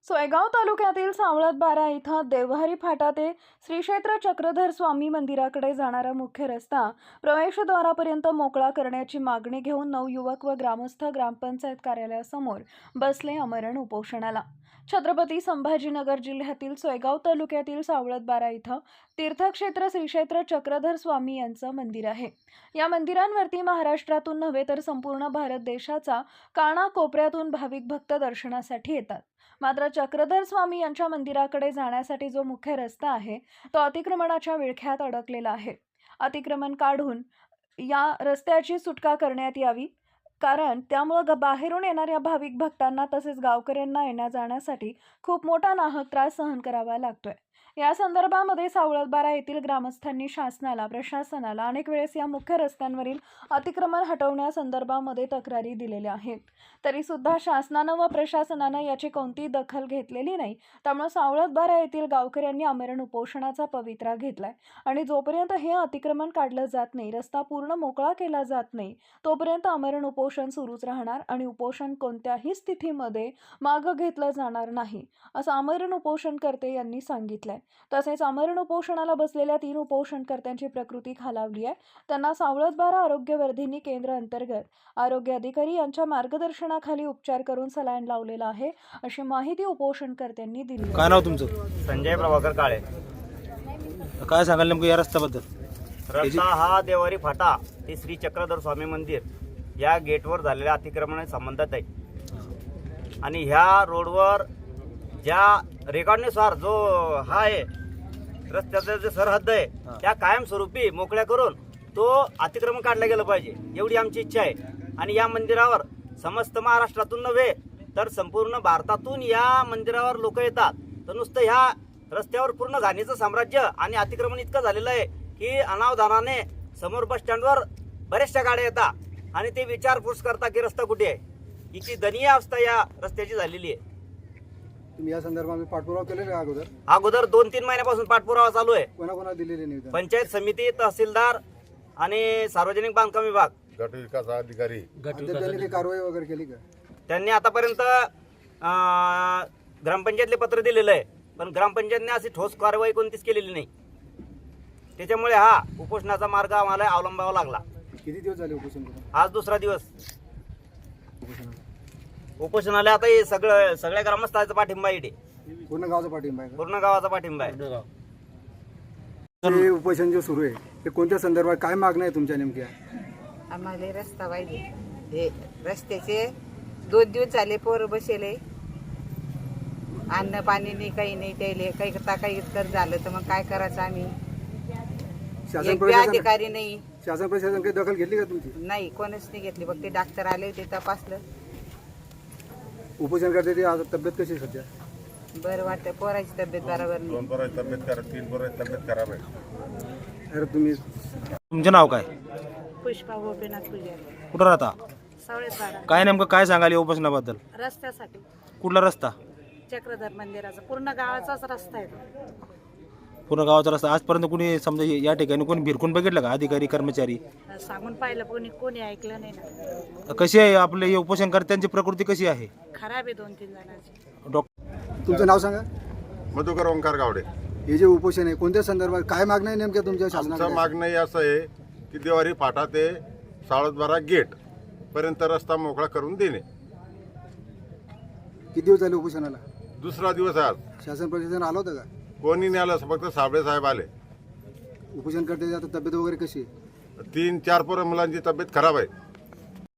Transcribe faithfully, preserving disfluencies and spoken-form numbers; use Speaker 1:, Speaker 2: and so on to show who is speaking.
Speaker 1: सोयगाव तालुक्यातील सावळत बारा इथं देवहरी फाटा ते श्री क्षेत्र चक्रधर स्वामी मंदिराकडे जाणारा मुख्य रस्ता प्रवेशद्वारापर्यंत मोकळा करण्याची मागणी घेऊन नऊ युवक व ग्रामस्थ ग्रामपंचायत कार्यालयासमोर बसले आमरण उपोषणाला। छत्रपती संभाजीनगर जिल्ह्यातील सोयगाव तालुक्यातील सावळत बारा इथं तीर्थक्षेत्र श्री क्षेत्र चक्रधर स्वामी यांचं मंदिर आहे। या मंदिरांवरती महाराष्ट्रातून नव्हे तर संपूर्ण भारत देशाचा कानाकोपऱ्यातून भाविक भक्त दर्शनासाठी येतात। मात्र चक्रधर स्वामी यांच्या मंदिराकडे जाण्यासाठी जो मुख्य रस्ता आहे तो अतिक्रमणाच्या विळख्यात अडकलेला आहे। अतिक्रमण काढून या रस्त्याची सुटका करण्यात यावी, कारण त्यामुळे बाहेरून येणाऱ्या भाविक भक्तांना तसेच गावकऱ्यांना येण्या जाण्यासाठी खूप मोठा नाहक त्रास सहन करावा लागतोय। या संदर्भामध्ये सावळत बारा येथील ग्रामस्थांनी शासनाला प्रशासनाला अनेक वेळेस या मुख्य रस्त्यांवरील अतिक्रमण हटवण्यासंदर्भामध्ये तक्रारी दिलेल्या आहेत, तरी सुद्धा शासनानं व प्रशासनानं याची कोणतीही दखल घेतलेली नाही। त्यामुळे सावळत बारा येथील गावकऱ्यांनी आमरण उपोषणाचा पवित्रा घेतलाय आणि जोपर्यंत हे अतिक्रमण काढलं जात नाही, रस्ता पूर्ण मोकळा केला जात नाही, तोपर्यंत आमरण उपोषण सुरूच राहणार आणि उपोषण कोणत्याही स्थितीमध्ये मागे घेतलं जाणार नाही, असं आमरण उपोषणकर्ते यांनी सांगितलंय। तसेच आमरण उपोषणाला बसलेल्या तीन उपोषणकर्त्यांची प्रकृती खालावली आहे। त्यांना सावळत बारा आरोग्यवर्धिनी केंद्र अंतर्गत आरोग्य अधिकारी यांच्या मार्गदर्शनाखाली उपचार करून सलाईन लावलेला आहे, अशी माहिती उपोषणकर्त्यांनी दिली।
Speaker 2: काय नाव तुमचं?
Speaker 3: संजय प्रभाकर काळे।
Speaker 2: काय सांगाल नेमकं या रस्त्याबद्दल?
Speaker 3: रस्ता हा देवहरी फाटा ते श्री चक्रधर स्वामी मंदिर या गेटवर झालेल्या अतिक्रमणाशी संबंधित आहे आणि ह्या रोडवर ज्या रेकॉर्डनुसार जो हा आहे रस्त्याचा जे सरहद्द आहे त्या कायमस्वरूपी मोकळ्या करून तो अतिक्रमण काढलं गेलं पाहिजे, एवढी आमची इच्छा आहे। आणि या मंदिरावर समस्त महाराष्ट्रातून नव्हे तर संपूर्ण भारतातून या मंदिरावर लोक येतात, तर नुसतं ह्या रस्त्यावर पूर्ण घाणीचं साम्राज्य आणि अतिक्रमण इतकं झालेलं आहे की अनावधानाने समोर बस स्टँडवर बऱ्याचशा गाड्या येतात आणि ते विचारपूस करतात की रस्ता कुठे आहे। हिची दयनीय अवस्था या रस्त्याची झालेली आहे।
Speaker 4: तुम्ही या संदर्भात पाठपुरावा केलेला आहे अगोदर?
Speaker 3: अगोदर दोन तीन महिन्यापासून पाठपुरावा चालू आहे।
Speaker 4: कोणाकोणाला दिलेले निवेदन?
Speaker 3: पंचायत समिती, तहसीलदार आणि सार्वजनिक बांधकाम विभाग,
Speaker 5: गट विकास अधिकारी।
Speaker 4: त्यांनी काही कारवाई वगैरे केली का?
Speaker 3: त्यांनी आतापर्यंत ग्रामपंचायतले पत्र दिलेलं आहे, पण ग्रामपंचायतने अशी ठोस कारवाई कोणतीच केलेली नाही। त्याच्यामुळे हा उपोषणाचा मार्ग आम्हाला अवलंबावा लागला।
Speaker 4: किती दिवस झाले उपोषण करून?
Speaker 3: आज दुसरा दिवस उपोषणाला। आता हे सगळं सगळ्या ग्रामस्थांचा पाठिंबा आहे,
Speaker 4: पूर्ण गावाचा पाठिंबा आहे का?
Speaker 3: पूर्ण गावाचा पाठिंबा आहे।
Speaker 4: हे उपोषण जे सुरू आहे ते कोणत्या संदर्भात, काय मागण्या आहे तुमच्या नेमक्या?
Speaker 6: आम्हाला रस्ता पाहिजे। हे रस्त्याचे दोन दिवस झाले पोर बसेले, अन्न पाणी नाही, काही नाही, त्याले काही करता काही तर झालं तर मग काय करायचं आम्ही?
Speaker 4: शासन
Speaker 6: एक बी
Speaker 4: प्रशासन
Speaker 6: अधिकारी नाही,
Speaker 4: शासन प्रशासन काही दखल घेतली का तुमची?
Speaker 6: नाही, कोणच नाही घेतली। फक्त डॉक्टर आले होते, तपासलं।
Speaker 4: उपोषण करते ते आता तब्येत कशी आहे सध्या?
Speaker 6: बरं वाटतं, पोराची तब्येत बरोबर नाही।
Speaker 5: दोन पोरांची तब्येत खराब, तीन पोरांची तब्येत खराब आहे।
Speaker 4: अरे तुम्ही
Speaker 2: तुमचं नाव काय?
Speaker 7: पुष्पा गोपीनाथ पुजारी,
Speaker 2: कुठं राहता?
Speaker 7: सावळत बारा।
Speaker 2: काय नेमकं काय सांगाल या उपोषणाबद्दल?
Speaker 7: रस्त्यासाठी,
Speaker 2: कुठला रस्ता?
Speaker 7: चक्रधर मंदिराचा पूर्ण गावाचाच रस्ता आहे तो।
Speaker 2: पूर्ण गावाचा रस्ता आजपर्यंत कोणी समजा या ठिकाणी कोणी भिरकून बघितलं का? अधिकारी कर्मचारी
Speaker 7: सांगून पाहिलं, कोणी कोणी ऐकलं नाही ना।
Speaker 2: कशी आहे आपले हे उपोषणकर्त्यांची प्रकृती कशी आहे?
Speaker 7: खराब आहे दोन तीन जणांची।
Speaker 2: डॉक्टर
Speaker 4: तुमचं नाव सांगा?
Speaker 5: मधुकर ओंकार गावडे।
Speaker 4: हे जे उपोषण आहे कोणत्या संदर्भात, काय मागण्या आहे नेमक्या तुमच्या
Speaker 5: आमचं
Speaker 4: शासनाकडे?
Speaker 5: मागणं हे असं आहे की देवारी फाटा ते सावळत बारा गेट पर्यंत रस्ता मोकळा करून देणे।
Speaker 4: किती दिवस झाले उपोषणाला?
Speaker 5: दुसरा दिवस आहे आज।
Speaker 4: शासन प्रशासन आलं होतं का?
Speaker 5: कोणी नाही आलं, फक्त साबळे साहेब आले।
Speaker 4: उपोषण करते आता तब्येत वगैरे कशी आहे?
Speaker 5: तीन चार पोरं मुलांची तब्येत खराब आहे।